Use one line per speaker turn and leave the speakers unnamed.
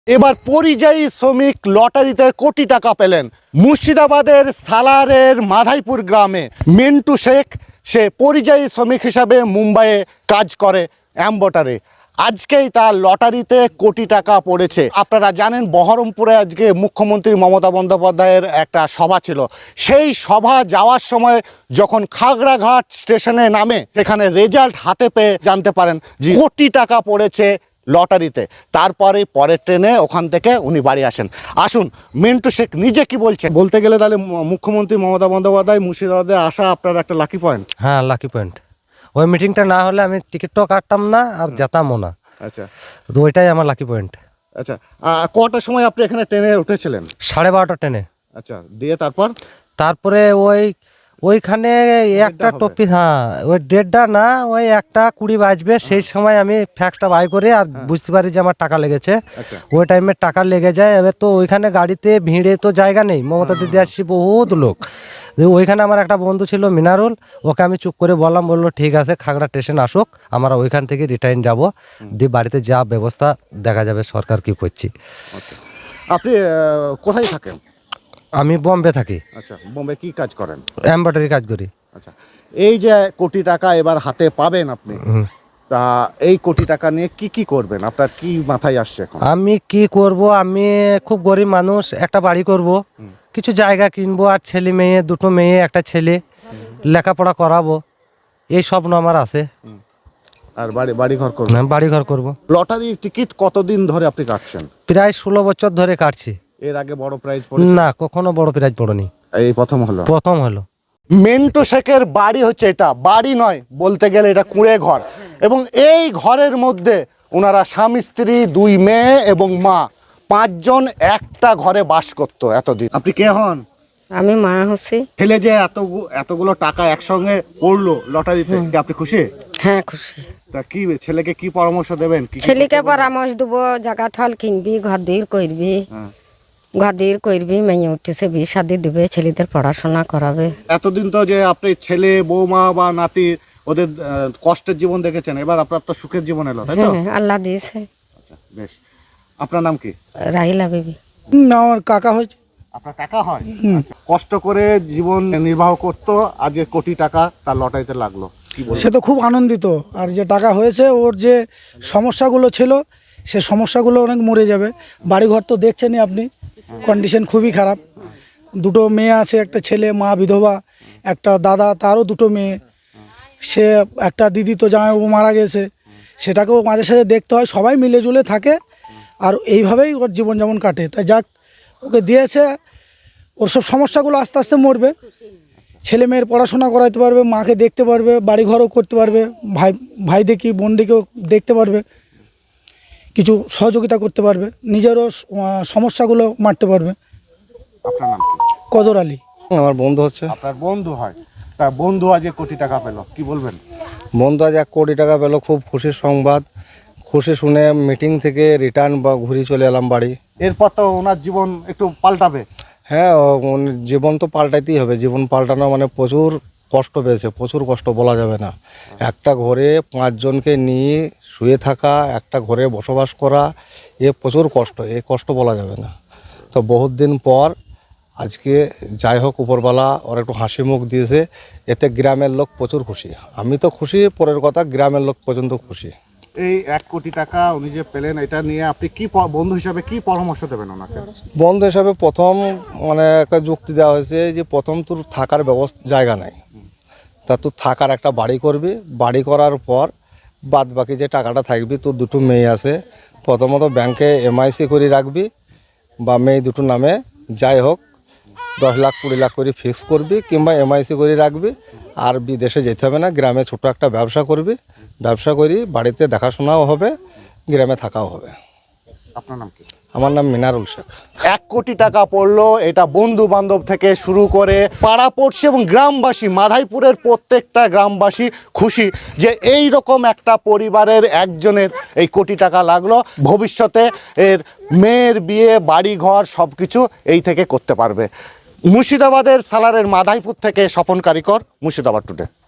এবার পরিযায়ী শ্রমিক লটারিতে কোটি টাকা পেলেন। মুর্শিদাবাদের সালারের মাধাইপুর গ্রামে মিন্টু শেখ, সে পরিযায়ী শ্রমিক হিসাবে মুম্বাইয়ে কাজ করে অ্যাম্বটারে। আজকেই তার লটারিতে কোটি টাকা পড়েছে। আপনারা জানেন বহরমপুরে আজকে মুখ্যমন্ত্রী মমতা বন্দ্যোপাধ্যায়ের একটা সভা ছিল। সেই সভা যাওয়ার সময় যখন খাগড়াঘাট স্টেশনে নামে, সেখানে রেজাল্ট হাতে পেয়ে জানতে পারেন যে কোটি টাকা পড়েছে লটারিতে। তারপরে পরের ট্রেনে ওখান থেকে উনি বাড়ি আসেন। আসুন মিন্টু শেখ নিজে কি বলছে। বলতে গেলে তাহলে মুখ্যমন্ত্রী মমতা বন্দ্যোপাধ্যায় মুর্শিদাবাদে আসা আপনার একটা লাকি পয়েন্ট।
হ্যাঁ, লাকি পয়েন্ট। ওই মিটিংটা না হলে আমি টিকিটটাও কাটতাম না আর যেতামও না।
আচ্ছা,
তো ওইটাই আমার লাকি পয়েন্ট।
আচ্ছা, কটার সময় আপনি এখানে ট্রেনে উঠেছিলেন?
12:30 ট্রেনে।
আচ্ছা, দিয়ে তারপরে
ওইখানে একটা টপি, হ্যাঁ ওই 1:30 না, ওই 1:20 বাজবে। সেই সময় আমি ফ্যাক্সটা বাই করে আর বুঝতে পারি যে আমার টাকা লেগেছে। ওই টাইমে টাকা লেগে যায়। এবার তো ওইখানে গাড়িতে ভিড়ে তো জায়গা নেই। মমতা দিদি আসছি বহুত লোক। ওইখানে আমার একটা বন্ধু ছিল মিনারুল, ওকে আমি চুপ করে বললো ঠিক আছে খাগড়া স্টেশন আসুক, আমরা ওইখান থেকে রিটার্ন যাব, দিয়ে বাড়িতে যা ব্যবস্থা দেখা যাবে সরকার কি করছি।
আপনি কোথায় থাকেন?
আমি বোম্বে থাকি।
আচ্ছা, বোম্বে কি কাজ করেন?
এমব্রয়ডারি কাজ করি।
আচ্ছা, এই যে কোটি টাকা এবার হাতে পাবেন আপনি, তা এই কোটি টাকা নিয়ে কি করবেন? আপনার কি মাথায় আসছে এখন?
আমি কি করব, আমি খুব গরিব মানুষ, একটা বাড়ি করব, কিছু জায়গা কিনবো, আর ছেলে মেয়ে, দুটো মেয়ে একটা ছেলে, লেখাপড়া করাবো, এই স্বপ্ন আমার আছে।
আর বাড়ি ঘর করবো?
বাড়ি ঘর করবো।
লটারি টিকিট কতদিন ধরে আপনি কাটছেন?
প্রায় 16 বছর ধরে কাটছি।
এর আগে বড় প্রাইজ
না, কখনো বড় প্রাইজ পড়েনি, এই প্রথম হলো।
মিন্টু শেখের বাড়ি হচ্ছে এটা, বাড়ি নয় বলতে গেলে এটা কুঁড়ে ঘর। এবং এই ঘরের মধ্যে ওনারা স্বামী স্ত্রী, 2 মেয়ে এবং মা, 5 জন একটা ঘরে বাস করতো এতদিন। আপনি কে হন?
আমি মা হচ্ছি।
ছেলে যে এতগুলো টাকা একসঙ্গে পড়লো লটারিতে, আপনি খুশি?
হ্যাঁ, খুশি।
তা কি ছেলেকে কি পরামর্শ দেবেন?
ছেলেকে পরামর্শ দেবো, জায়গা থল কিনবি, ঘর দীর করবি, মেয়ে উঠতেছে, বিয়ে শাদি দিবে, ছেলেদের পড়াশোনা করাবে।
এতদিন তো যে আপনি ছেলে, বৌমা বা নাতি ওদের কষ্টের জীবন দেখেছেন, এবার আপনার তো সুখের জীবন এলো, তাই তো?
আল্লাহ দিয়েছে।
আচ্ছা, বেশ। আপনার নাম কি?
রাহিলা বিবি।
না, আমার কাকা হয়েছে।
আপনার কাকা হয়? আচ্ছা, কষ্ট করে জীবন নির্বাহ করতো, আজ কোটি টাকা তার লটারিতে লাগলো,
সে তো খুব আনন্দিত। আর যে টাকা হয়েছে, ওর যে সমস্যাগুলো ছিল সে সমস্যাগুলো অনেক মরে যাবে। বাড়িঘর তো দেখছেনই আপনি, কন্ডিশন খুবই খারাপ। 2 মেয়ে আছে, একটা ছেলে, মা বিধবা, একটা দাদা, তারও 2 মেয়ে। সে একটা দিদি তো জামাইবাবু মারা গেছে, সেটাকেও মাঝে সাঝে দেখতে হয়। সবাই মিলে জুলে থাকে আর এইভাবেই ওর জীবনযাপন কাটে। তাই যাক, ওকে দিয়েছে, ওর সব সমস্যাগুলো আস্তে আস্তে মরবে। ছেলে মেয়ের পড়াশোনা করাতে পারবে, মাকে দেখতে পারবে, বাড়িঘরও করতে পারবে, ভাই দেখি বোন দেখেও দেখতে পারবে, কিছু সহযোগিতা করতে পারবে, নিজেরও সমস্যাগুলো মারতে পারবে।
আপনার নাম কি?
কদর আলী।
আমার বন্ধু হচ্ছে।
আপনার বন্ধু হয়? তা বন্ধু আজ কোটি টাকা পেল, কি বলবেন?
বন্ধু আজ 1 কোটি টাকা পেল, খুব খুশির সংবাদ। খুশি শুনে মিটিং থেকে রিটার্ন বা ঘুরে চলে এলাম বাড়ি।
এরপর তো ওনার জীবন একটু পাল্টাবে।
হ্যাঁ, জীবন তো পাল্টাইতেই হবে। জীবন পাল্টানো মানে প্রচুর কষ্ট পেয়েছে, প্রচুর কষ্ট বলা যাবে না। একটা ঘরে 5 জনকে নিয়ে শুয়ে থাকা, একটা ঘরে বসবাস করা, এ প্রচুর কষ্ট, এই কষ্ট বলা যাবে না। তো বহুত দিন পর আজকে যাই হোক উপরওয়ালা ওর একটু হাসি মুখ দিয়েছে, এতে গ্রামের লোক প্রচুর খুশি। আমি তো খুশি, পরের কথা গ্রামের লোক পর্যন্ত খুশি।
এই 1 কোটি টাকা উনি যে পেলেন, এটা নিয়ে আপনি কি বন্ধু হিসাবে কি পরামর্শ দেবেন ওনাকে?
বন্ধু হিসাবে প্রথম মানে একটা যুক্তি দেওয়া হয়েছে যে প্রথম তোর থাকার জায়গা নাই, তা তুই থাকার একটা বাড়ি করবি, বাড়ি করার পর বাদ বাকি যে টাকাটা থাকবি, তোর 2 মেয়ে আছে, প্রথমত ব্যাংকে এমআইসি করে রাখবি, বা মেয়ে 2 নামে যাই হোক 10 লাখ 20 লাখ করে ফিক্স করবি, কিংবা এমআইসি করে রাখবি। আর বিদেশে যেতে হবে না, গ্রামে ছোট একটা ব্যবসা করবি, ব্যবসা করি বাড়িতে দেখাশোনাও হবে, গ্রামে থাকাও হবে।
আপনার নাম কি?
আমার নাম মিনারুল শেখ।
1 কোটি টাকা পড়লো, এটা বন্ধু বান্ধব থেকে শুরু করে পাড়া পড়ছে এবং গ্রামবাসী, মাধাইপুরের প্রত্যেকটা গ্রামবাসী খুশি যে এই রকম একটা পরিবারের একজনের এই কোটি টাকা লাগলো। ভবিষ্যতে এর মেয়ের বিয়ে, বাড়ি ঘর সব কিছু এই থেকে করতে পারবে। মুর্শিদাবাদের সালারের মাধাইপুর থেকে স্বপন কারিকর, মুর্শিদাবাদ টুডে।